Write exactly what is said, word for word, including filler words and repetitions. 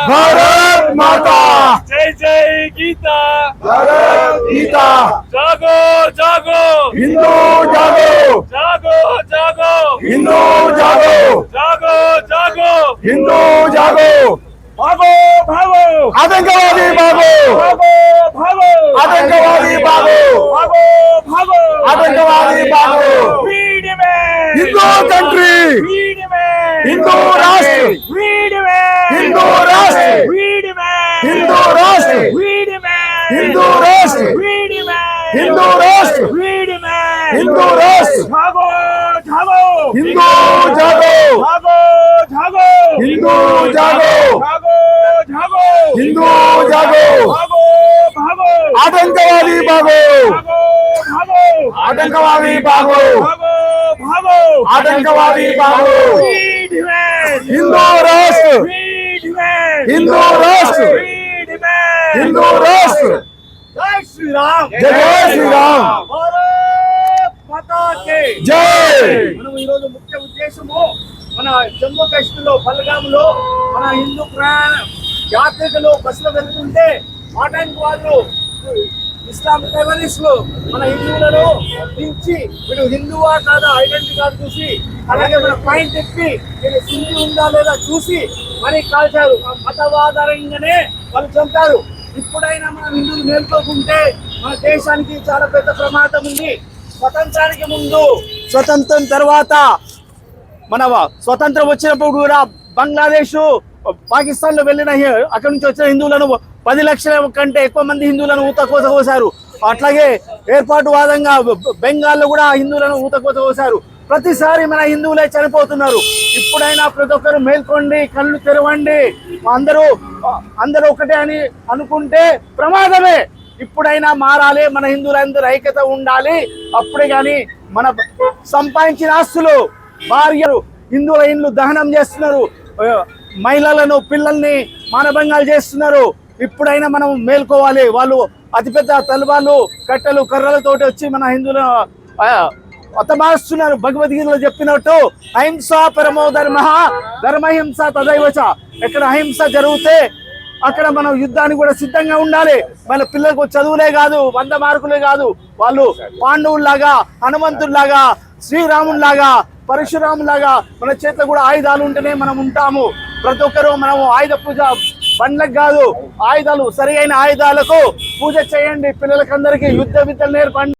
भारत माता जय जय गीता भारत गीता जागो जागो हिंदू जागो जागो जागो हिंदू जागो जागो जागो हिंदू जागो भागो भागो आतंकवादी भागो भागो भागो आतंकवादी भागो भागो भागो आतंकवादी भागो फ्रीडम है हिंदू कंट्री फ्रीडम है हिंदू राष्ट्र फ्रीडम है हिंदू राष्ट्र फ्रीडम है हिंदू राष्ट्र फ्रीडम है हिंदू राष्ट्र फ्रीडम है हिंदू राष्ट्र फ्रीडम है हिंदू राष्ट्र भागो भागो हिंदू जागो भागो भागो हिंदू जागो भागो भागो हिंदू जागो भागो भागो आतंकवादी भागो भागो भागो आतंकवादी भागो भागो भागो आतंकवादी भागो फ्रीडम है हिंदू राष्ट्र फ्रीडम है हिंदू राष्ट्र फ्रीडम है हिंदू राष्ट्र जय श्री राम जय श्री राम भारत माता के जय మనం ఈ రోజు ముఖ్య ఉద్దేశము మన జమ్మూ కాశ్మీర్ లో పల్గాములో మన హిందూ ప్రయాణ యాత్రికులు బస్సులో వెళ్తుంటే ఆటంకవాదులు ఇస్లాం టెర్రరిస్టులు మన హిందువులను దించి వీడు హిందువా కాదా ఐడెంటిటీ కార్డు చూసి అలాగే మన పాయింట్ చెప్పి వీడు హిందూ ఉందా లేదా చూసి మరి కాల్చారు. మతవాధారంగానే వాళ్ళు చంపారు. ఇప్పుడైనా మనం హిందువులు మేల్కోకుంటే మన దేశానికి చాలా పెద్ద ప్రమాదం ఉంది. స్వతంత్రానికి ముందు స్వతంత్రం తర్వాత మన స్వతంత్రం వచ్చినప్పుడు కూడా బంగ్లాదేశ్ పాకిస్తాన్ లో వెళ్ళిన అక్కడి నుంచి వచ్చిన హిందువులను పది లక్షల కంటే ఎక్కువ మంది హిందువులను ఊతకోత కోసారు. అట్లాగే ఏర్పాటు వాదంగా బెంగాల్లో కూడా హిందువులను ఊతకోత కోసారు. ప్రతిసారి మన హిందువులే చనిపోతున్నారు. ఇప్పుడైనా ప్రతి ఒక్కరు మేల్కోండి, కళ్ళు తెరవండి. అందరూ అందరూ ఒకటే అని అనుకుంటే ప్రమాదమే. ఇప్పుడైనా మారాలి, మన హిందువులందరూ ఐక్యత ఉండాలి. అప్పుడే కానీ మన సంపాదించిన ఆస్తులు భార్యలు హిందువుల ఇండ్లు దహనం చేస్తున్నారు, మహిళలను పిల్లల్ని మానభంగాలు చేస్తున్నారు. ఇప్పుడైనా మనం మేల్కోవాలి. వాళ్ళు అతిపెద్ద తలవాళ్ళు కట్టెలు కర్రలతోటి వచ్చి మన హిందువులను హతమారుస్తున్నారు. భగవద్గీతలో చెప్పినట్టు అహింస పరమో ధర్మ ధర్మహింస తదైవచ. ఎక్కడ అహింస జరిగితే అక్కడ మనం యుద్ధానికి కూడా సిద్ధంగా ఉండాలి. మన పిల్లలకు చదువులే కాదు, వంద మార్కులే కాదు, వాళ్ళు పాండవుల్లాగా, హనుమంతుల్లాగా, శ్రీరాముల్లాగా, పరశురాములాగా మన చేతిలో కూడా ఆయుధాలు ఉంటేనే మనం ఉంటాము. ప్రతి ఒక్కరూ మనము ఆయుధ పూజ బండ్లకు కాదు, ఆయుధాలు సరి అయిన ఆయుధాలకు పూజ చేయండి. పిల్లలకందరికీ యుద్ధ విద్యలు నేర్పండి.